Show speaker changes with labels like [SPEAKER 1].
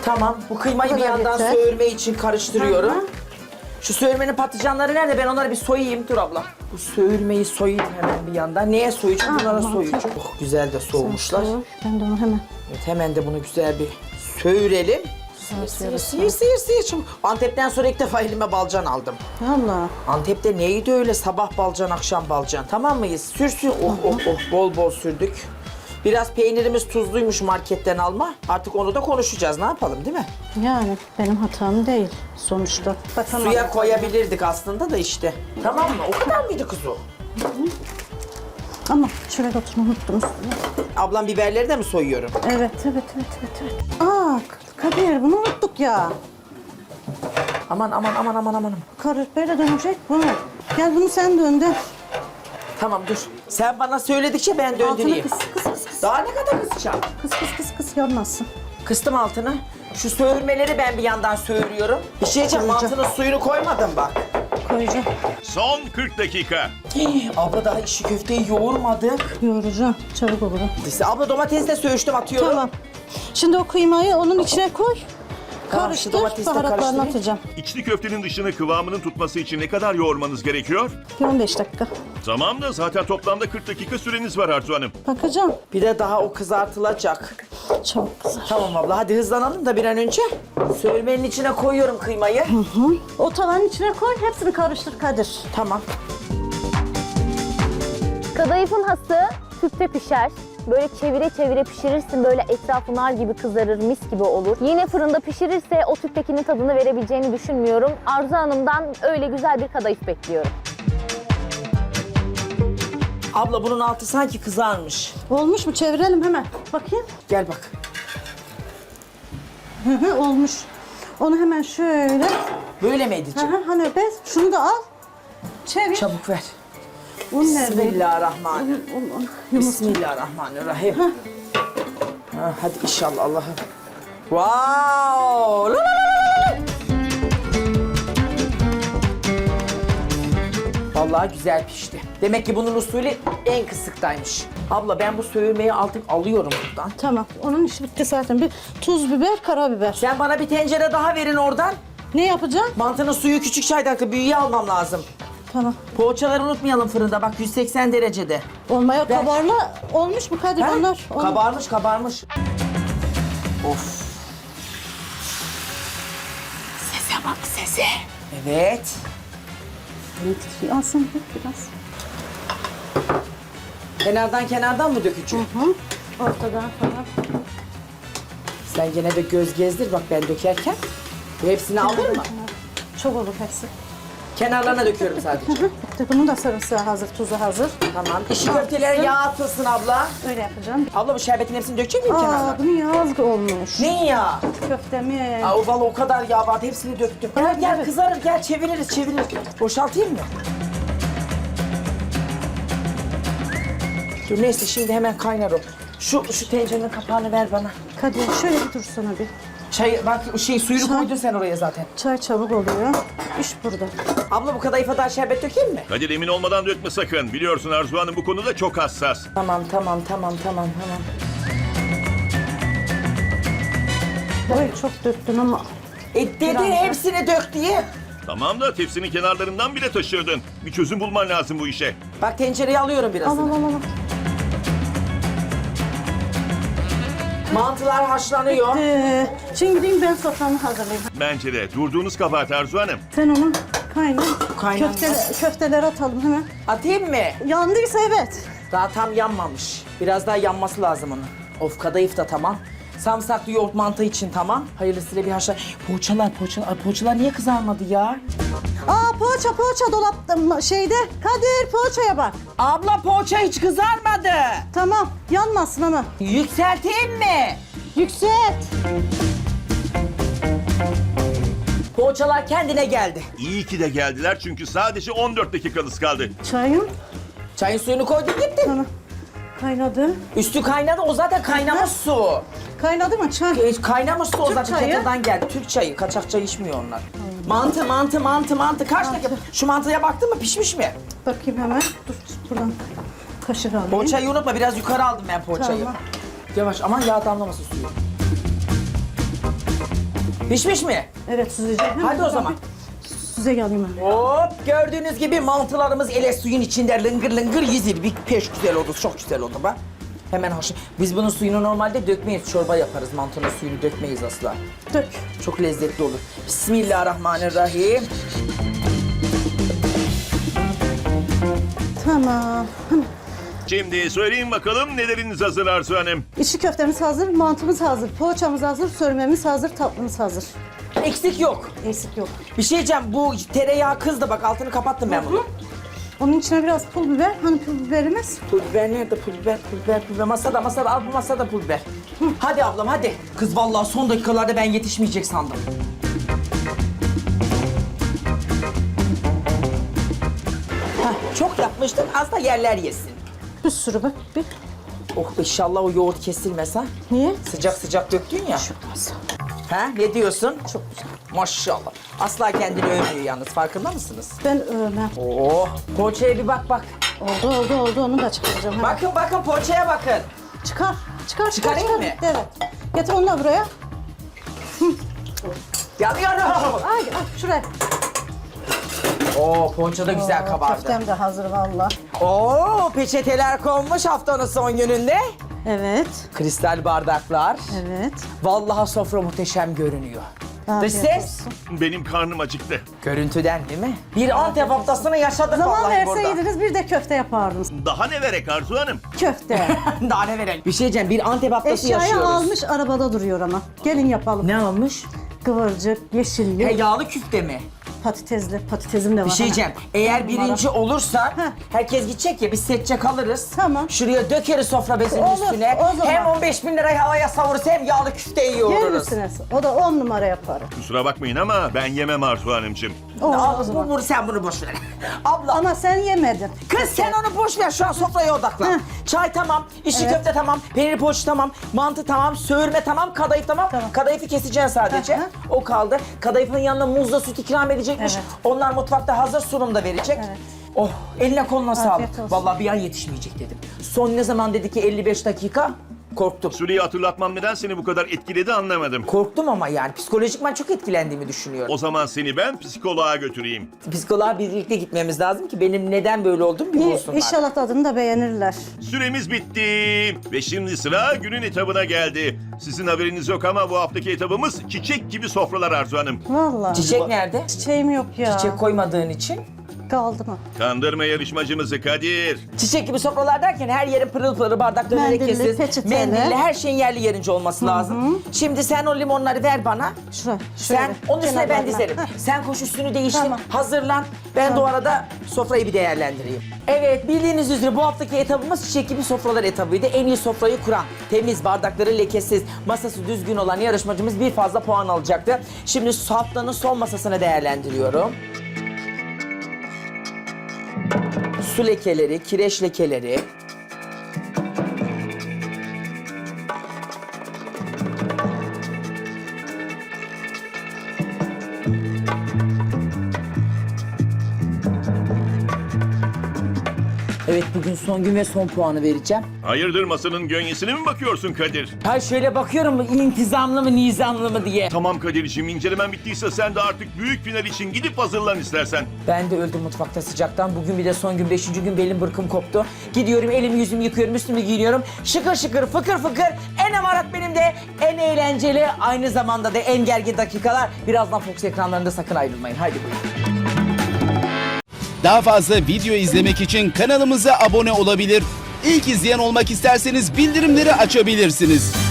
[SPEAKER 1] Tamam. Bu kıymayı
[SPEAKER 2] Bu
[SPEAKER 1] bir
[SPEAKER 2] kadar
[SPEAKER 1] yandan
[SPEAKER 2] yeter.
[SPEAKER 1] söğürme için karıştırıyorum.
[SPEAKER 2] Hı hı.
[SPEAKER 1] Şu söğürmenin patlıcanları nerede? Ben onları bir soyayım. Dur abla. Bu söğürmeyi soyayım hemen bir yandan. Neye soyacağım? Bunlara
[SPEAKER 2] mantar.
[SPEAKER 1] soyacağım. Oh, güzel de soğumuşlar.
[SPEAKER 2] Ben de onu hemen.
[SPEAKER 1] Evet, hemen de bunu güzel bir söğürelim. Sıyır. Şimdi Antep'ten sonra ilk defa elime balcan aldım.
[SPEAKER 2] Allah.
[SPEAKER 1] Antep'te neydi öyle? Sabah balcan, akşam balcan. Tamam mıyız? Sürsün. Oh. Bol bol sürdük. Biraz peynirimiz tuzluymuş marketten alma. Artık onu da konuşacağız. Ne yapalım değil mi?
[SPEAKER 2] Yani benim hatam değil sonuçta. Bakamadım.
[SPEAKER 1] Suya koyabilirdik aslında da işte. Tamam mı? O kadar mıydı kız o?
[SPEAKER 2] Ama şöyle oturma unuttum üstüne.
[SPEAKER 1] Ablam biberleri de mi soyuyorum?
[SPEAKER 2] Evet. Aa Kadir bunu unuttuk ya.
[SPEAKER 1] Aman.
[SPEAKER 2] Karır böyle dönecek bu. Gel bunu sen döndür.
[SPEAKER 1] Tamam dur. Sen bana söyledikçe ben
[SPEAKER 2] Altını
[SPEAKER 1] döndüreyim.
[SPEAKER 2] kıs.
[SPEAKER 1] Daha ne kadar kısacağım?
[SPEAKER 2] Kıs yanmasın.
[SPEAKER 1] Kıstım altını. Şu söğürmeleri ben bir yandan söğürüyorum. Bir şey diyeceğim,
[SPEAKER 2] Koyacağım.
[SPEAKER 1] mantının suyunu koymadım bak.
[SPEAKER 2] Koyacağım.
[SPEAKER 3] Son 40 dakika.
[SPEAKER 1] Abla daha işi köfteyi yoğurmadık.
[SPEAKER 2] Yoğuracağım. Çabuk olur.
[SPEAKER 1] Abla domatesi de söğüştüm, atıyorum.
[SPEAKER 2] Tamam. Şimdi o kıymayı onun içine koy.
[SPEAKER 1] Tamam, şu
[SPEAKER 2] Karıştır.
[SPEAKER 1] domatesi de
[SPEAKER 2] Baharatlarını
[SPEAKER 1] karıştırayım.
[SPEAKER 2] atacağım.
[SPEAKER 3] İçli köftenin dışını kıvamının tutması için ne kadar yoğurmanız gerekiyor?
[SPEAKER 2] Bir 15 dakika.
[SPEAKER 3] Tamam da zaten toplamda 40 dakika süreniz var Arzu Hanım.
[SPEAKER 2] Bakacağım.
[SPEAKER 1] Bir de daha o kızartılacak.
[SPEAKER 2] Çabuk kızar.
[SPEAKER 1] Tamam abla, hadi hızlanalım da bir an önce. Söğürmenin içine koyuyorum kıymayı.
[SPEAKER 2] O tavanın içine koy. Hepsini karıştır Kadir.
[SPEAKER 1] Tamam.
[SPEAKER 4] Kadayıfın hası tüpte pişer. Böyle çevire çevire pişirirsin, böyle etrafı nar gibi kızarır, mis gibi olur. Yine fırında pişirirse o tüptekinin tadını verebileceğini düşünmüyorum. Arzu Hanım'dan öyle güzel bir kadayıf bekliyorum.
[SPEAKER 1] Abla bunun altı sanki kızarmış.
[SPEAKER 2] Olmuş mu? Çevirelim hemen. Bakayım.
[SPEAKER 1] Gel bak.
[SPEAKER 2] Olmuş. Onu hemen şöyle.
[SPEAKER 1] Böyle mi edeceğim?
[SPEAKER 2] Hani bez. Şunu da al. Çevir.
[SPEAKER 1] Çabuk ver.
[SPEAKER 2] Un nerede?
[SPEAKER 1] Bismillahirrahmanirrahim. Bismillahirrahmanirrahim. Ha, hadi inşallah Allah'ım. Wow! La la la la! Vallahi güzel pişti. Demek ki bunun usulü en kısıktaymış. Abla ben bu söğürmeyi artık alıyorum buradan.
[SPEAKER 2] Tamam. Onun işi bitti zaten. Bir tuz, biber, karabiber.
[SPEAKER 1] Sen bana bir tencere daha verin oradan.
[SPEAKER 2] Ne yapacağım?
[SPEAKER 1] Mantının suyu küçük çaydaklı, büyüğü almam lazım.
[SPEAKER 2] Tamam.
[SPEAKER 1] Poğaçaları unutmayalım fırında, bak 180 derecede.
[SPEAKER 2] Olmaya
[SPEAKER 1] Ver.
[SPEAKER 2] kabarla olmuş mu Kadir
[SPEAKER 1] Ha?
[SPEAKER 2] onlar?
[SPEAKER 1] Kabarmış. Of. Sese bak sese. Evet.
[SPEAKER 2] Alsın biraz.
[SPEAKER 1] Kenardan mı dökeceğim?
[SPEAKER 2] Ortadan falan.
[SPEAKER 1] Sen gene de göz gezdir bak ben dökerken. Bu hepsini aldın mı?
[SPEAKER 2] Çok olur hepsi.
[SPEAKER 1] Kenarlarına döküyorum sadece.
[SPEAKER 2] Bunun da sarımsağı hazır, tuzu hazır.
[SPEAKER 1] Tamam. İşi köftelere yağ atılsın abla.
[SPEAKER 2] Öyle yapacağım.
[SPEAKER 1] Abla bu şerbetin hepsini dökecek miyim kenarlarına?
[SPEAKER 2] Bunun yağı az olmuş.
[SPEAKER 1] Ne ya?
[SPEAKER 2] Köftemi.
[SPEAKER 1] Aa, vallahi o kadar yağ vardı, hepsini döktüm. Gel
[SPEAKER 2] Evet.
[SPEAKER 1] kızarır, gel çeviririz. Boşaltayım mı? Dur neyse şimdi hemen kaynar o. Şu tencerenin kapağını ver bana.
[SPEAKER 2] Kadir şöyle bir dursana bir.
[SPEAKER 1] Çay bak suyunu koydun sen oraya zaten.
[SPEAKER 2] Çay çabuk oluyor. İş burada.
[SPEAKER 1] Abla bu kadayıfa daha şerbet dökeyim mi?
[SPEAKER 3] Kadir emin olmadan dökme sakın. Biliyorsun Arzu Hanım bu konuda çok hassas.
[SPEAKER 1] Tamam.
[SPEAKER 2] Oy çok döktüm ama.
[SPEAKER 1] Dedin hepsini dök diye.
[SPEAKER 3] Tamam da tepsinin kenarlarından bile taşırdın. Bir çözüm bulman lazım bu işe.
[SPEAKER 1] Bak tencereyi alıyorum birazını.
[SPEAKER 2] Al.
[SPEAKER 1] Mantılar haşlanıyor.
[SPEAKER 2] Şimdi gideyim ben soframı hazırlayayım.
[SPEAKER 3] Bence de durduğunuz kabahat Arzu Hanım.
[SPEAKER 2] Sen onu kaynar.
[SPEAKER 1] Kaynanmaz.
[SPEAKER 2] Köfteleri atalım hemen.
[SPEAKER 1] Atayım mı?
[SPEAKER 2] Yandıysa evet.
[SPEAKER 1] Daha tam yanmamış. Biraz daha yanması lazım onun. Of kadayıf da tamam. Samsaklı yoğurt mantı için tamam. Hayırlısıyla bir haşla. Poğaçalar niye kızarmadı ya?
[SPEAKER 2] Poğaça dolapta şeyde. Kadir poğaçaya bak.
[SPEAKER 1] Abla poğaça hiç kızarmadı.
[SPEAKER 2] Tamam yanmasın ama.
[SPEAKER 1] Yükselteyim mi?
[SPEAKER 2] Yükselt.
[SPEAKER 1] Poğaçalar kendine geldi.
[SPEAKER 3] İyi ki de geldiler çünkü sadece 14 dakikanız kaldı.
[SPEAKER 2] Çayım.
[SPEAKER 1] Çayın suyunu koydun gittin.
[SPEAKER 2] Tamam. Kaynadı.
[SPEAKER 1] Üstü kaynadı, o zaten kaynamış su.
[SPEAKER 2] Kaynadı mı çay?
[SPEAKER 1] Kaynamış su o
[SPEAKER 2] Türk
[SPEAKER 1] zaten
[SPEAKER 2] çayı.
[SPEAKER 1] kettle'dan geldi. Türk çayı, kaçak çay içmiyor onlar. Mantı. Kaç dakika? Şu mantıya baktın mı, pişmiş mi?
[SPEAKER 2] Bakayım hemen. Dur buradan kaşık alayım.
[SPEAKER 1] Poğaçayı unutma, biraz yukarı aldım ben poğaçayı.
[SPEAKER 2] Tamam.
[SPEAKER 1] Yavaş, aman yağ damlamasın suyu. Pişmiş mi?
[SPEAKER 2] Evet süzeceğim.
[SPEAKER 1] Hadi o zaman.
[SPEAKER 2] Süze alayım ben.
[SPEAKER 1] Hop gördüğünüz gibi mantılarımız ele suyun içinde lıngır lıngır yüzür. Bir peş güzel oldu, çok güzel oldu bak. Hemen haşır. Biz bunun suyunu normalde dökmeyiz, çorba yaparız. Mantının suyunu dökmeyiz asla.
[SPEAKER 2] Dök.
[SPEAKER 1] Çok lezzetli olur. Bismillahirrahmanirrahim.
[SPEAKER 2] Tamam.
[SPEAKER 3] Şimdi söyleyin bakalım neleriniz hazır Arzu Hanım?
[SPEAKER 2] İçli köftemiz hazır, mantımız hazır, poğaçamız hazır, sörmemiz hazır, tatlımız hazır.
[SPEAKER 1] Eksik yok.
[SPEAKER 2] Eksik yok.
[SPEAKER 1] Bir şey diyeceğim, bu tereyağı kızdı bak, altını kapattım ben bunu.
[SPEAKER 2] Onun içine biraz pul biber. Hani pul biberimiz?
[SPEAKER 1] Pul biber nerede? Pul biber. Masada, al bu masada pul biber. Hadi ablam hadi. Kız vallahi son dakikalarda ben yetişmeyecek sandım. Hah, çok yapmıştın, az da yerler yesin.
[SPEAKER 2] Bir sürü bak. Bir.
[SPEAKER 1] Oh inşallah o yoğurt kesilmez ha.
[SPEAKER 2] Niye?
[SPEAKER 1] Sıcak sıcak döktün ya.
[SPEAKER 2] Çok az.
[SPEAKER 1] Ha ne diyorsun?
[SPEAKER 2] Çok güzel.
[SPEAKER 1] Maşallah. Asla kendini övmüyor yalnız, farkında mısınız?
[SPEAKER 2] Ben övmem.
[SPEAKER 1] Oh, poğaçaya bir bak.
[SPEAKER 2] Oldu. Onu da çıkaracağım. hemen.
[SPEAKER 1] Bakın poğaçaya bakın.
[SPEAKER 2] Çıkar.
[SPEAKER 1] Çıkarayım mı?
[SPEAKER 2] Evet. Getir onu da buraya.
[SPEAKER 1] Yanıyorum.
[SPEAKER 2] Ay, şuraya.
[SPEAKER 1] Oo poğaça da güzel kabardı.
[SPEAKER 2] Köftem de hazır valla.
[SPEAKER 1] Oo peçeteler konmuş haftanın son gününde.
[SPEAKER 2] Evet.
[SPEAKER 1] Kristal bardaklar.
[SPEAKER 2] Evet.
[SPEAKER 1] Vallahi sofra muhteşem görünüyor. Dış
[SPEAKER 2] Afiyet
[SPEAKER 1] ses.
[SPEAKER 2] olsun.
[SPEAKER 3] Benim karnım acıktı.
[SPEAKER 1] Görüntüden değil mi? Bir Antep haftasını yaşadık
[SPEAKER 2] Zaman
[SPEAKER 1] vallahi burada.
[SPEAKER 2] verseydiniz bir de köfte yapardınız.
[SPEAKER 3] Daha ne verek Arzu Hanım?
[SPEAKER 2] Köfte.
[SPEAKER 1] Daha ne verelim? Bir şey diyeceğim, bir Antep haftası
[SPEAKER 2] Eşyayı
[SPEAKER 1] yaşıyoruz.
[SPEAKER 2] almış arabada duruyor ama. Gelin yapalım.
[SPEAKER 1] Ne almış?
[SPEAKER 2] Kıvırcık, yeşilli,
[SPEAKER 1] Yağlı küfte mi?
[SPEAKER 2] patatesli. Patatesim de var.
[SPEAKER 1] Bir şey diyeceğim. Eğer birinci olursa
[SPEAKER 2] Heh.
[SPEAKER 1] herkes gidecek ya, biz seçecek alırız.
[SPEAKER 2] Tamam.
[SPEAKER 1] Şuraya dökeriz sofra bezinin
[SPEAKER 2] Olur,
[SPEAKER 1] üstüne.
[SPEAKER 2] o zaman.
[SPEAKER 1] Hem 15.000 lirayı havaya savururuz hem yağlı küfte
[SPEAKER 2] Yer
[SPEAKER 1] yiyoruz.
[SPEAKER 2] misiniz? O da 10 numara yaparım.
[SPEAKER 3] Kusura bakmayın ama ben yemem Arzu Hanımcığım.
[SPEAKER 2] O zaman.
[SPEAKER 1] Sen bunu boş ver. Abla
[SPEAKER 2] Ama sen yemedin.
[SPEAKER 1] kız sen onu boş ver, şu an sofraya odaklan.
[SPEAKER 2] Heh.
[SPEAKER 1] Çay tamam, içli
[SPEAKER 2] Evet.
[SPEAKER 1] köfte tamam, peynir poğaça tamam, mantı tamam, söğürme tamam, kadayıf tamam.
[SPEAKER 2] Tamam.
[SPEAKER 1] Kadayıfı keseceksin sadece.
[SPEAKER 2] Hı hı.
[SPEAKER 1] O kaldı. Kadayıfın yanına muzla süt ikram edecekmiş.
[SPEAKER 2] Evet.
[SPEAKER 1] Onlar mutfakta hazır sunumda verecek.
[SPEAKER 2] Evet.
[SPEAKER 1] Oh eline koluna
[SPEAKER 2] Afiyet
[SPEAKER 1] sağlık.
[SPEAKER 2] olsun.
[SPEAKER 1] Vallahi bir an yetişmeyecek dedim. Son ne zaman dedi ki 55 dakika? Korktum.
[SPEAKER 3] Süreyi hatırlatmam neden seni bu kadar etkiledi anlamadım.
[SPEAKER 1] Korktum ama yani psikolojikman çok etkilendiğimi düşünüyorum.
[SPEAKER 3] O zaman seni ben psikoloğa götüreyim.
[SPEAKER 1] Psikoloğa birlikte gitmemiz lazım ki benim neden böyle olduğumu bir bulsunlar.
[SPEAKER 2] İnşallah tadını da beğenirler.
[SPEAKER 3] Süremiz bitti. Ve şimdi sıra günün etabına geldi. Sizin haberiniz yok ama bu haftaki etabımız çiçek gibi sofralar Arzu Hanım.
[SPEAKER 2] Vallahi.
[SPEAKER 1] Çiçek nerede?
[SPEAKER 2] Çiçeğim yok ya.
[SPEAKER 1] Çiçek koymadığın için.
[SPEAKER 2] Kaldı mı?
[SPEAKER 3] Kandırma yarışmacımızı Kadir.
[SPEAKER 1] Çiçek gibi sofralar derken her yerin pırıl pırıl bardakları
[SPEAKER 2] Mendilli,
[SPEAKER 1] lekesiz.
[SPEAKER 2] peçeteli.
[SPEAKER 1] Mendilli, her şeyin yerli yerince olması lazım. Şimdi sen o limonları ver bana.
[SPEAKER 2] Şuraya.
[SPEAKER 1] Sen onun üstüne ben
[SPEAKER 2] kenarlarına.
[SPEAKER 1] dizerim.
[SPEAKER 2] Heh.
[SPEAKER 1] Sen koş üstünü değiştir,
[SPEAKER 2] Tamam.
[SPEAKER 1] hazırlan. Ben de o arada sofrayı bir değerlendireyim. Evet, bildiğiniz üzere bu haftaki etabımız çiçek gibi sofralar etabıydı. En iyi sofrayı kuran, temiz, bardakları lekesiz, masası düzgün olan yarışmacımız bir fazla puan alacaktı. Şimdi haftanın son masasını değerlendiriyorum. Su lekeleri, kireç lekeleri. Evet bugün son gün ve son puanı vereceğim.
[SPEAKER 3] Hayırdır masanın gönyesine mi bakıyorsun Kadir?
[SPEAKER 1] Ha şöyle bakıyorum intizamlı mı nizamlı mı diye.
[SPEAKER 3] Tamam Kadir'ciğim incelemen bittiyse sen de artık büyük final için gidip hazırlan istersen.
[SPEAKER 1] Ben de öldüm mutfakta sıcaktan. Bugün bir de son gün 5. gün belim bırkım koptu. Gidiyorum elimi yüzümü yıkıyorum üstümü giyiniyorum. Şıkır şıkır fıkır fıkır. En amarat benim de en eğlenceli aynı zamanda da en gergin dakikalar. Birazdan Fox ekranlarında sakın ayrılmayın. Haydi buyurun.
[SPEAKER 5] Daha fazla video izlemek için kanalımıza abone olabilir. İlk izleyen olmak isterseniz bildirimleri açabilirsiniz.